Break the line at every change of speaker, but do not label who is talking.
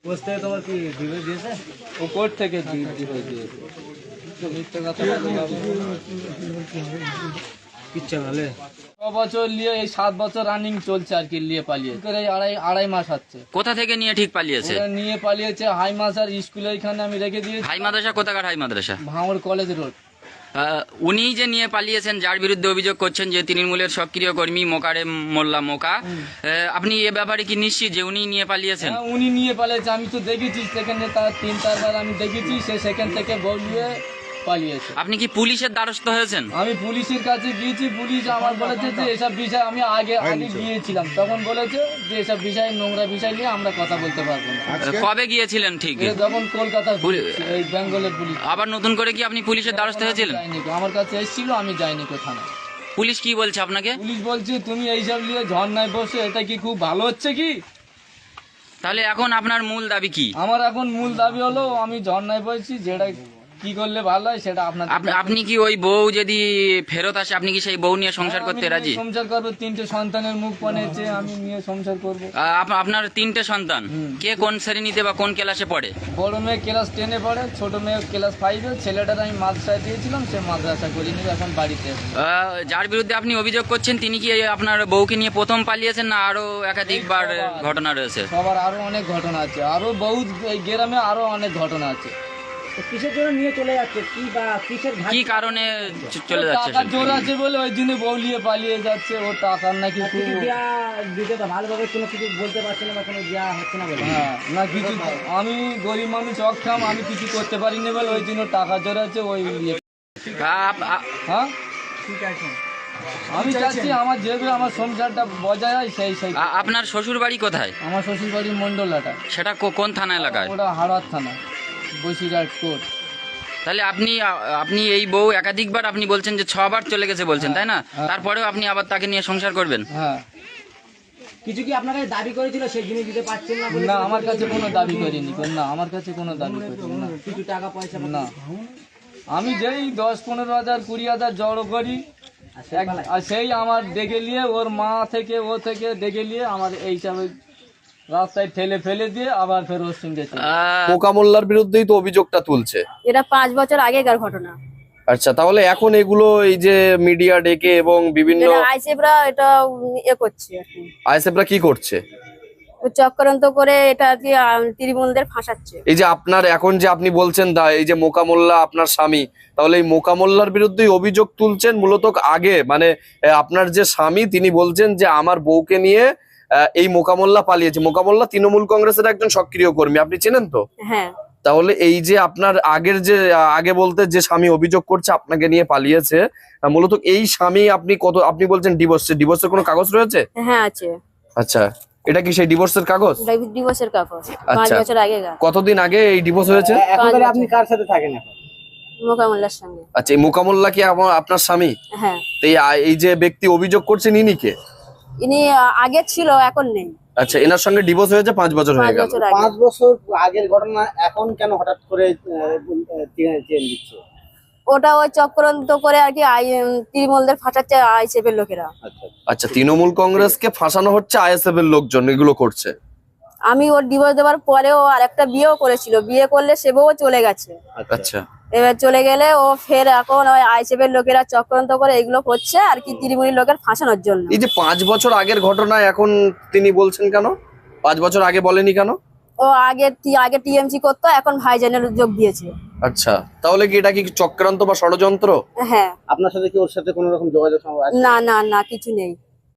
Coach থেকে তোমার কি ডিভোর্স দিয়েছে?
ও কোর্ট থেকে ডিভোর্স দিয়েছে। তো মিথ্যে কথা বলে যাবো
কিচ্ছা ভালো
6 বছর নিয়ে এই 7 বছর রানিং চলছে আর কি, নিয়ে পালিয়েছে করে আড়াই মাস হচ্ছে।
কোথা থেকে নিয়ে ঠিক পালিয়েছে?
ওরা নিয়ে পালিয়েছে হাই মাসার স্কুলে, এখানে আমি রেখে দিয়েছি।
হাই মাদ্রাসা কোথাকার হাই মাদ্রাসা?
ভাঙড় কলেজ রোড।
উনি যে নিয়ে পালিয়েছেন, যার বিরুদ্ধে অভিযোগ করছেন যে তৃণমূলের সক্রিয় কর্মী মোকারেম মোল্লা মোকা, আপনি এ ব্যাপারে কি নিশ্চিত যে উনি নিয়ে পালিয়েছেন?
হ্যাঁ, উনি নিয়ে পালিয়েছে। আমি তো দেখেছি সেখানে তার 3-4 বার আমি দেখেছি, সে সেখান থেকে বলিয়ে পালিয়েছে।
আপনি কি পুলিশের দ্বারস্থ হয়েছেন?
আমি পুলিশের কাছে গিয়েছি, পুলিশ আমার বলেছে যে এসব বিষয় আমি আগে গিয়েছিলাম, তখন বলেছে যে এসব বিষয় নোংরা বিষয় নিয়ে আমরা কথা বলতে পারবো না।
কবে গিয়েছিলেন ঠিক?
যখন কলকাতা এই বেঙ্গলের পুলিশ।
আবার নতুন করে কি আপনি পুলিশের দ্বারস্থ হয়েছিলেন?
আমার কাছে এসেছিল, আমি যাইনি কোথাও।
পুলিশ কি বলছে আপনাকে?
পুলিশ বলছে তুমি এইসব নিয়ে ঝর্ণায় বসে, এটা কি খুব ভালো হচ্ছে কি?
তাহলে এখন আপনার মূল দাবি কি?
আমার এখন মূল দাবি হলো আমি ঝর্ণায় বসছি, যেটা কি করলে ভালো হয় সেটা আপনার।
আপনি কি ওই বউ যদি ফেরত আসে, আপনি কি সেই বউ নিয়ে সংসার করতে রাজি?
সংসার করবো, 3টে সন্তানের মুখ পানেছে, আমি নিয়ে সংসার করবো।
আপনার 3টে সন্তান, কে কোন শ্রেণীতে বা কোন ক্লাসে পড়ে?
বড় মেয়ে ক্লাস 10-এ পড়ে, ছোট মেয়ে ক্লাস 5-এ। ছেলেটার আমি মাদ্রাসায় দিয়েছিলাম, সে মাদ্রাসা করিনি, এখন বাড়িতে।
যার বিরুদ্ধে আপনি অভিযোগ করছেন তিনি কি আপনার বউকে নিয়ে প্রথম পালিয়েছেন না আরো একাধিকবার ঘটনা রয়েছে?
সবার আরো অনেক ঘটনা আছে, আরো বহুত এই গ্রামে আরো অনেক ঘটনা আছে।
কিসের জন্য নিয়ে চলে যাচ্ছে, কি বা কিসের
কি কারণে চলে যাচ্ছে?
টাকার জোর আছে বলে ওই দিনে বউলিয়ে পালিয়ে যাচ্ছে, ও টাকার নাকি খুব
দিতে তো ভালোভাবে কোনো কিছু বলতে পারছে না বা কোনো দেওয়া হচ্ছে না বলে।
হ্যাঁ, না কিছু। আমি গরিব মানুষ, অক্ষম, আমি কিছু করতে পারিনি বলে ওই দিনও টাকা জোর আছে ওই ইয়ে। হ্যাঁ
ঠিক আছে,
আমি চাচ্ছি আমার যেভাবে আমার সংসারটা বজায় হয় সেই।
আপনার শ্বশুর বাড়ি কোথায়?
আমার শ্বশুর বাড়ির মন্ডলাটা।
সেটা কোন থানা এলাকায়?
ওটা হাড়ার থানা, বসিরহাট কোর্ট।
তাহলে আপনি এই বউ একাধিকবার আপনি বলছেন যে 6 বার চলে গেছে বলছেন, তাই না? তারপরেও আপনি আবার তাকে নিয়ে সংসার করবেন?
হ্যাঁ।
কিছু কি আপনার কাছে দাবি করেছিল সেই জিনিস দিতে পারছেন না বলে?
না, আমার কাছে কোনো দাবি করিনি, না আমার কাছে কোনো দাবি করিনি না।
কিছু টাকা পয়সা
না, আমি যেই 10-15 হাজার 20 হাজার জড়ো করি, আর সেই আমার ডেকে নিয়ে ওর মা থেকে ও থেকে ডেকে নিয়ে আমার এইসব রাস্তায় ঠেলে ফেলে দিয়ে আবার ফের ওর সঙ্গে
মোকা মোল্লার বিরুদ্ধেই তো অভিযোগটা তুলছে।
এটা 5 বছর আগেকার ঘটনা।
আচ্ছা, তাহলে এখন এগুলো এই যে মিডিয়া ডেকে এবং বিভিন্ন
আইসেফরা এটা করছে আর কি।
আইএসএফরা কি করছে?
চক্রান্ত করে এটা আর কি তৃণমূলদের ফাঁসাচ্ছে।
এই যে আপনার এখন যে আপনি বলছেন এই যে মোকা মোল্লা আপনার স্বামী, তাহলে এই মোকা মোল্লার বিরুদ্ধেই অভিযোগ তুলছেন মূলত আগে, মানে আপনার যে স্বামী তিনি বলছেন যে আমার বউকে নিয়ে এই মোকা মোল্লা পালিয়েছে। মোকা মোল্লা তৃণমূল কংগ্রেসের একজন সক্রিয় কর্মী, আপনি চেনেন তো?
হ্যাঁ।
তাহলে এই যে আপনার আগে বলতে যে স্বামী অভিযোগ করছে আপনাকে নিয়ে পালিয়েছে, মূলত এই স্বামী আপনি বলছেন ডিভোর্সের কোনো কাগজ রয়েছে?
হ্যাঁ আছে।
আচ্ছা, এটা কি সেই ডিভোর্সের কাগজ?
ডিভোর্সের কাগজ 5
আচ্ছা,
বছর আগে।
কতদিন আগে এই ডিভোর্স হয়েছে?
এখন তাহলে আপনি কার সাথে থাকেন এখন?
মোকামুল্লার সঙ্গে।
আচ্ছা, এই মোকা মোল্লা কি আপনার স্বামী?
হ্যাঁ।
তো এই যে ব্যক্তি অভিযোগ করছেন ইনি কে?
ইনি আগে ছিল, এখন নেই।
আচ্ছা, এনার সঙ্গে ডিভোর্স হয়েছে 5 বছর হয়ে গেল।
5 বছর আগের ঘটনা এখন কেন হঠাৎ করে চেঞ্জ দিচ্ছে?
ওটা ওই চক্রান্ত করে আর কি তৃণমূলদের ফাঁসাচ্ছে আইসেফের লোকেরা।
আচ্ছা, তৃণমূল কংগ্রেসকে ফাঁসানো হচ্ছে, আইএসএফ এর লোকজন এগুলো করছে।
আমি ওর ডিভোর্স দেওয়ার পরেও আরেকটা বিয়েও করেছিল, বিয়ে করলে সে বউ চলে গেছে।
আচ্ছা,
এবার চলে গেলে ও ফের এখন ওই আইসেফের লোকেরা চক্রান্ত করে এগুলো করছে আর কি, তৃণমূলের লোকের ফাঁসানোর জন্য।
এই যে 5 বছর আগের ঘটনা এখন তিনি বলছেন কেন? 5 বছর আগে বলেনি কেন?
ও আগে টিএমসি করতো, এখন ভাইজানের যোগ দিয়েছে।
আচ্ছা, তাহলে কি এটা কি চক্রান্ত বা ষড়যন্ত্র?
হ্যাঁ।
আপনার সাথে কি ওর সাথে কোনো রকম যোগাযোগ আছে?
না না না, কিছু নেই।